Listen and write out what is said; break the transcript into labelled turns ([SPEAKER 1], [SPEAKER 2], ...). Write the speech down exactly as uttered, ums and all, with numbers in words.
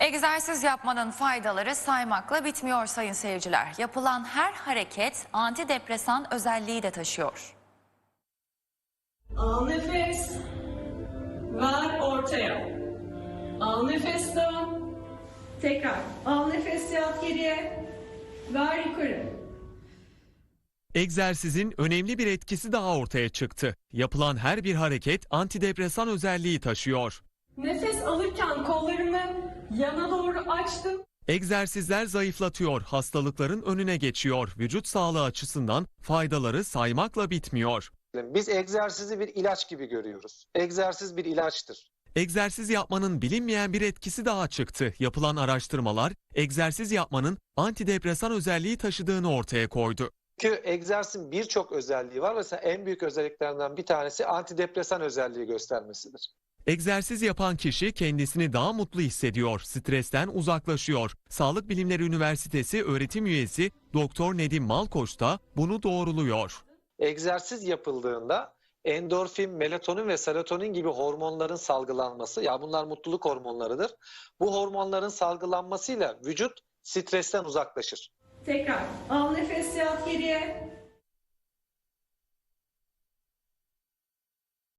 [SPEAKER 1] Egzersiz yapmanın faydaları saymakla bitmiyor sayın seyirciler. Yapılan her hareket antidepresan özelliği de taşıyor.
[SPEAKER 2] Al nefes. Ver ortaya. Al nefes dön. Tekrar. Al nefes yat geriye. Ver yukarı.
[SPEAKER 3] Egzersizin önemli bir etkisi daha ortaya çıktı. Yapılan her bir hareket antidepresan özelliği taşıyor.
[SPEAKER 2] Nefes alırken kollarımı yana doğru açtım.
[SPEAKER 3] Egzersizler zayıflatıyor, hastalıkların önüne geçiyor. Vücut sağlığı açısından faydaları saymakla bitmiyor.
[SPEAKER 4] Biz egzersizi bir ilaç gibi görüyoruz. Egzersiz bir ilaçtır.
[SPEAKER 3] Egzersiz yapmanın bilinmeyen bir etkisi daha çıktı. Yapılan araştırmalar egzersiz yapmanın antidepresan özelliği taşıdığını ortaya koydu.
[SPEAKER 4] Çünkü egzersizin birçok özelliği var. Mesela en büyük özelliklerinden bir tanesi antidepresan özelliği göstermesidir.
[SPEAKER 3] Egzersiz yapan kişi kendisini daha mutlu hissediyor, stresten uzaklaşıyor. Sağlık Bilimleri Üniversitesi öğretim üyesi Doktor Nedim Malkoç da bunu doğruluyor.
[SPEAKER 4] Egzersiz yapıldığında endorfin, melatonin ve serotonin gibi hormonların salgılanması, ya bunlar mutluluk hormonlarıdır. Bu hormonların salgılanmasıyla vücut stresten uzaklaşır.
[SPEAKER 2] Tekrar. Al nefes yat geriye.